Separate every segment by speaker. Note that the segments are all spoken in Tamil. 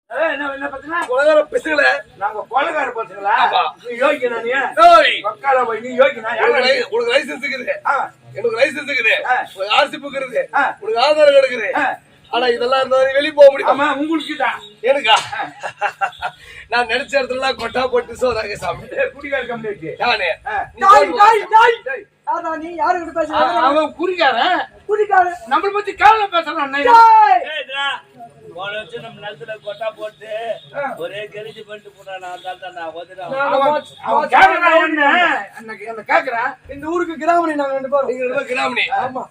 Speaker 1: என்ன பத்தினா
Speaker 2: கொலகார பசங்கள
Speaker 1: நாங்க கொலகார பசங்களா? நீ யோகினா? நீ மக்கால போய் நீ யோகினா?
Speaker 2: உனக்கு லைசன்ஸ் இருக்குது, எனக்கு லைசன்ஸ் இருக்குது, உனக்கு ஆர்சி புக் இருக்குது, உனக்கு ஆதார் கார்டு இருக்குது. ஆனா இதெல்லாம் இருந்தா வெளியே போக முடியும்.
Speaker 1: உங்களுக்கு தான்
Speaker 2: எனக்கா? நான் நினைச்ச இடத்துல கொட்டா போட்டு சோறாங்க சாமி.
Speaker 1: குடிகார கம்பெனி
Speaker 2: நானே
Speaker 3: நீ யாரு கிட்ட பேசுற?
Speaker 1: அவன் குடிகாரன்.
Speaker 3: குடிகாரன்
Speaker 1: நம்மள பத்தி கேவல பேசுறான்.
Speaker 4: நம்ம நிலத்துல கொட்டா போட்டு ஒரே கெளிச்சு பண்ணிட்டு போறான்.
Speaker 1: கேக்குறேன்.
Speaker 3: இந்த ஊருக்கு கிராமணி நாங்க 2 பேரும்.
Speaker 2: நீங்க 2 பேரும் கிராமணி?
Speaker 3: ஆமா.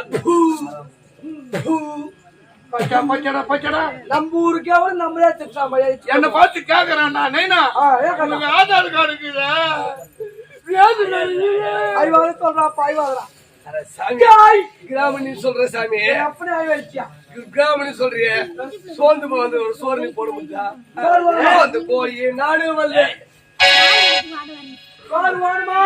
Speaker 1: பச்சடா பச்சடா
Speaker 3: நம்ம ஊருக்கே வந்து நம்மளே திட்டாம
Speaker 1: என்ன பார்த்து கேக்குறான். நைனா உனக்கு ஆதார் கார்டு இருக்குதா?
Speaker 3: ஐவாத சொல்றா பாய்வாதரா.
Speaker 2: கிராமணி சொல்ற சாமி.
Speaker 3: அப்படி ஆயிடுச்சியா?
Speaker 2: கிராமணி சொல்றிய சோர்ந்து வந்து ஒரு சோறு போட முடியா? வந்து போய் நானும் வந்து
Speaker 3: வேணுமா?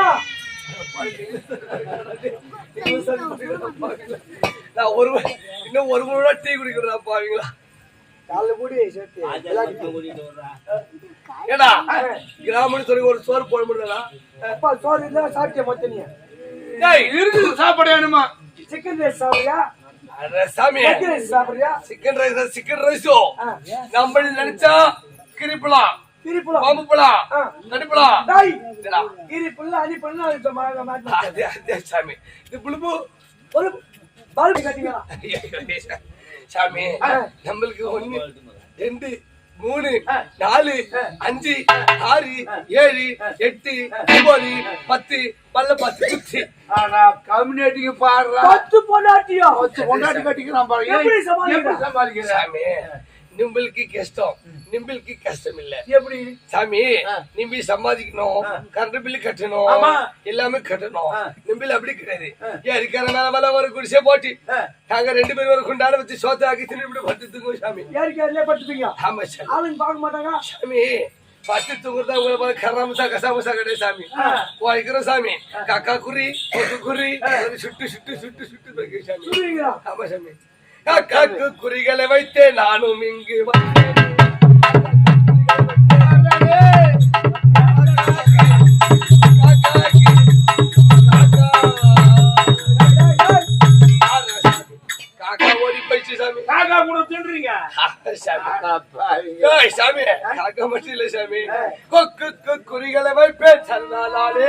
Speaker 2: நான் இன்னும் ஒரு முறை டீ குடிக்கிறா பாவீங்களா?
Speaker 3: காலைல கூடி
Speaker 2: ஏடா கிராமணி சொல்லி ஒரு சோறு போட முடியலா?
Speaker 3: அப்பா சோறு இல்ல சாப்பிட்டியா மொத்த? நீ
Speaker 1: இருக்குது சாப்பாடு வேணுமா?
Speaker 3: சிக்கன் ரைஸ் சாப்பிடுறியா?
Speaker 2: சாமி
Speaker 3: சாப்பிடுறியா?
Speaker 2: சிக்கன் ரைஸோ நம்ம நினைச்சா கிரிப்பலாம், பாம்புப்பலாம், நடிப்பலாம்.
Speaker 3: கிரிப்புள்ள அடிப்பலாம்.
Speaker 2: சாமி இது புழுப்பு
Speaker 3: ஒரு பல்பு கட்டிங்களா
Speaker 2: சாமி? நம்மளுக்கு 1 2 3 4 5 6 7 8 9 10 பல்ல 10 குச்சி.
Speaker 1: கம்யூனிட்டிக்கு பாடுற
Speaker 3: 10 பொண்டாட்டியா?
Speaker 1: 10 பொண்டாட்டி கட்டிக்கிறான் பாருங்க.
Speaker 3: எப்படி சமாளிக்கிற?
Speaker 2: சாமி நிம்பளுக்கு கஷ்டம், நிம்பளுக்கு கஷ்டம் இல்ல.
Speaker 3: எப்படி
Speaker 2: சாமி? நிம்பி சம்பாதிக்கணும், கரண்ட் பில்லு கட்டணும், எல்லாமே கட்டணும். நிம்பில் அப்படி கிடையாது. ஏரிக்கார மேல மேல ஒரு குடிசை போட்டு நாங்க 2 பேரும் ஒரு குண்டான வச்சு சோத்த ஆக்கி திருப்பி படுத்துங்க சாமி.
Speaker 3: ஏரிக்காரிலே படுத்துப்பீங்க?
Speaker 2: ஆமா சாமி.
Speaker 3: ஆளுங்க பார்க்க மாட்டாங்க
Speaker 2: சாமி. பத்து தூங்குறதா உங்களை போல கராமசா கசாமசா கிடையாது சாமி. வாய்க்கிறோம் சாமி. காக்கா குறி கொக்கு குறி சுட்டு சுட்டு சுட்டு சுட்டு வைக்க சாமி. ஆமா சாமி. காக்காக்கு குறிகளை வைத்தே நானும் இங்கு காக்கா ஓடி போயிடுச்சு சாமி.
Speaker 1: காக்கா கூட தின்றீங்க
Speaker 2: சாமி? காக்கா மட்டும் இல்ல சாமி, கொக்கு குறிகளை வைப்பேன் சல்லாலே.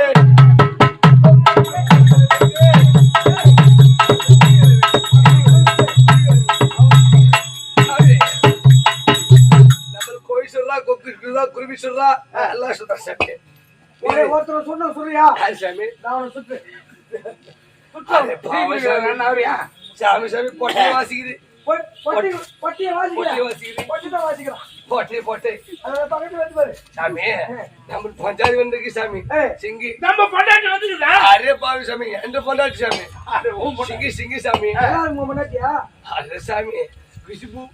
Speaker 2: குருவி சொல்றா எல்லாம் சொல்றா சாமி.
Speaker 3: ஒருத்தர் சொன்ன சொல்றியா
Speaker 2: சாமி?
Speaker 3: நான் சுத்து
Speaker 2: சாமி சாமி பொட்டை வாசிக்குது.
Speaker 3: பொட்டிய வாசிக்கிறான்.
Speaker 2: சாமி நம்ம பஞ்சாயத்து வந்திருக்கு சாமி. சிங்கி
Speaker 1: நம்ம பொண்டாட்டி வந்துக்குதா?
Speaker 2: அரே பாவி சாமி, எந்த பொண்டாட்டி சாமி? சிங்கி சிங்கி சாமி. அரே சாமி குஷ்பு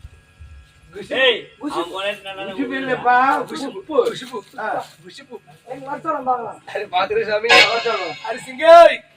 Speaker 2: பாக்குற சாமி. அரி சிங்கி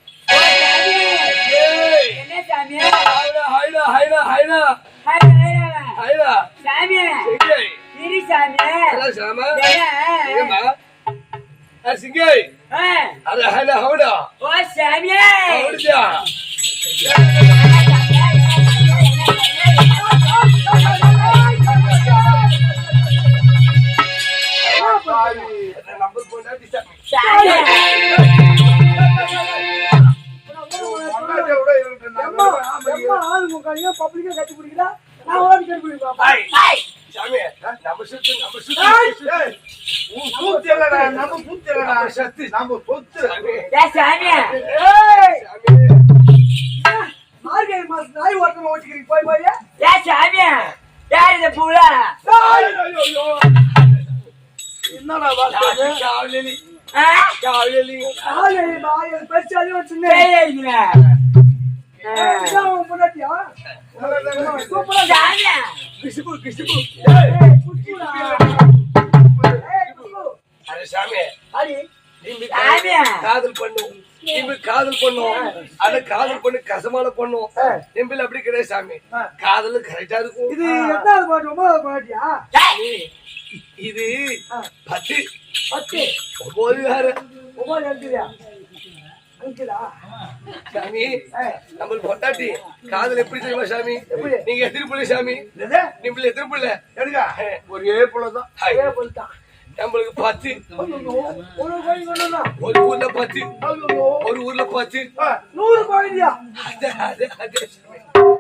Speaker 2: நம்பர் போட்டாட்டி சாமி.
Speaker 3: பப்ளிக்கா கட்டி பிடிக்கிறா? நான் ஓடி கட்டி பிடிப்பா
Speaker 2: சாமி. நம்ம சுத்து நம்ம சுத்து
Speaker 1: நம்ம பூத்தலடா சத்து நம்ம சொத்து
Speaker 3: மார்கழி மாசம் நாய் ஓட்டமா ஓட்டிக்கிறீங்க போய் போய்.
Speaker 1: என்னடா
Speaker 2: காவலி
Speaker 3: பெருசாலும் வச்சுங்க முன்னாடியா
Speaker 2: கிஷ்பு கிஷ்பு. அரே சாமி
Speaker 3: அடி
Speaker 2: காதல் பண்ணு இப்ப காதல் பண்ணும் அந்த காதல் பண்ணி கசமான பண்ணும் எம்பில் அப்படி கிடையாது சாமி காதல் கரெக்டா இருக்கும்
Speaker 3: இது எட்டாவது பாட்டு 9வது பாட்டியா
Speaker 2: இது 10
Speaker 3: 10
Speaker 2: 9 வேற
Speaker 3: 9 எழுதுறியா அங்கிளா
Speaker 2: சாமி நம்ம பொட்டாட்டி காதல் எப்படி தெரியுமா சாமி நீங்க எத்தனை பிள்ளை சாமி நீங்க எத்தனை பிள்ளை
Speaker 1: எடுங்க ஒரே புள்ளதான்
Speaker 3: அதே போல்தான்
Speaker 2: நம்மளுக்கு 10
Speaker 3: ஒரு கோழி கொண்டா
Speaker 2: ஒரு ஊர்ல 10 ஒரு ஊர்ல 10
Speaker 3: 100 கோழியா
Speaker 2: அதே